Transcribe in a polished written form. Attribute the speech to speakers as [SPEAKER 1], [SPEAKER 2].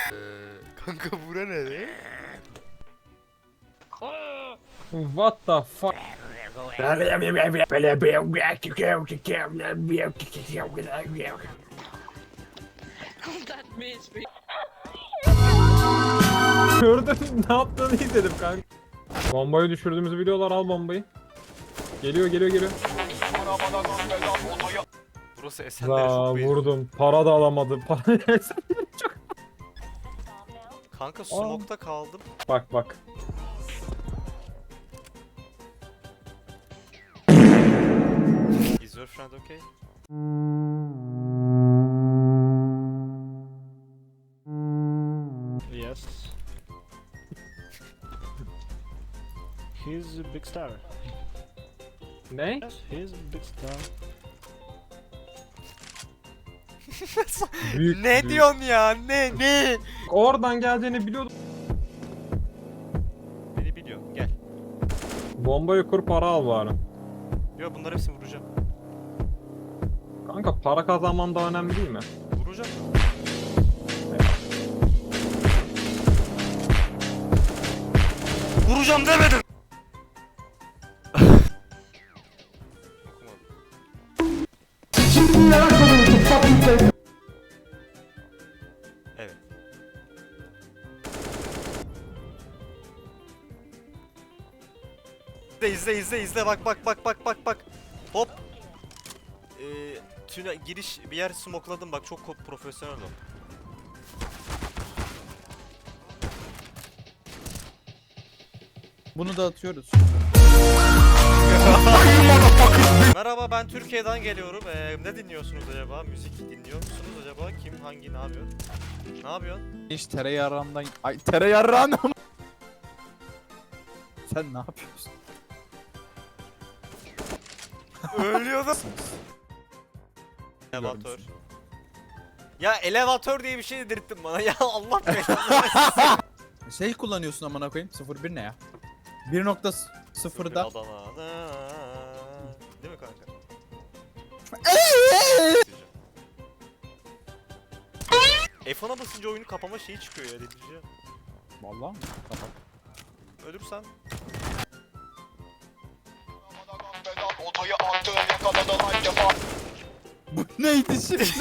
[SPEAKER 1] Kanka bura ne?
[SPEAKER 2] What the fuck?
[SPEAKER 3] That means we
[SPEAKER 2] Gördüm ne yaptığını izledim kanka. Bombayı düşürdüğümüzü biliyorlar, al bombayı. Geliyor.
[SPEAKER 1] Burası Esenler'e
[SPEAKER 2] Za
[SPEAKER 1] çok benziyor.
[SPEAKER 2] vurdum. Para da alamadı. Para Esenler'e çok.
[SPEAKER 1] Kanka smoke'ta kaldım.
[SPEAKER 2] Bak.
[SPEAKER 1] Is your friend okay?
[SPEAKER 4] Yes. He's a big star.
[SPEAKER 2] Ne?
[SPEAKER 4] Yes, he's a big star.
[SPEAKER 2] Büyük,
[SPEAKER 1] Ne
[SPEAKER 2] büyük.
[SPEAKER 1] diyorsun ya? Ne?
[SPEAKER 2] Oradan geleceğini biliyordum.
[SPEAKER 1] Beni biliyor. Gel.
[SPEAKER 2] Bombayı kur, para al bari.
[SPEAKER 1] Yo bunları hepsini vuracağım.
[SPEAKER 2] Kanka para kazanman da önemli değil mi?
[SPEAKER 1] Vuracağım. Vuracağım demedim. Evet. İzle bak. Hop. Tüne giriş bir yer smokladım bak çok profesyonel o.
[SPEAKER 5] Bunu da atıyoruz.
[SPEAKER 1] Merhaba ben Türkiye'den geliyorum. Ne dinliyorsunuz acaba? Müzik dinliyor musunuz acaba? Kim hangi ne yapıyor? Ne yapıyorsun?
[SPEAKER 5] Hiç tereyağından... Ay tereyağından ama. Sen ne yapıyorsun?
[SPEAKER 1] Ölüyordum. Elevatör. Ya elevatör diye bir şey dedirttin bana ya Allah belanı.
[SPEAKER 5] Şey kullanıyorsun amına koyayım. 01 ne ya? 1.0'da.
[SPEAKER 1] Adana'da. Değil mi kanka? F1'a basınca oyunu kapama şeyi çıkıyor ya dedici.
[SPEAKER 5] Vallahi mi? Tamam.
[SPEAKER 1] Ölürsen
[SPEAKER 5] Bu neydi şimdi?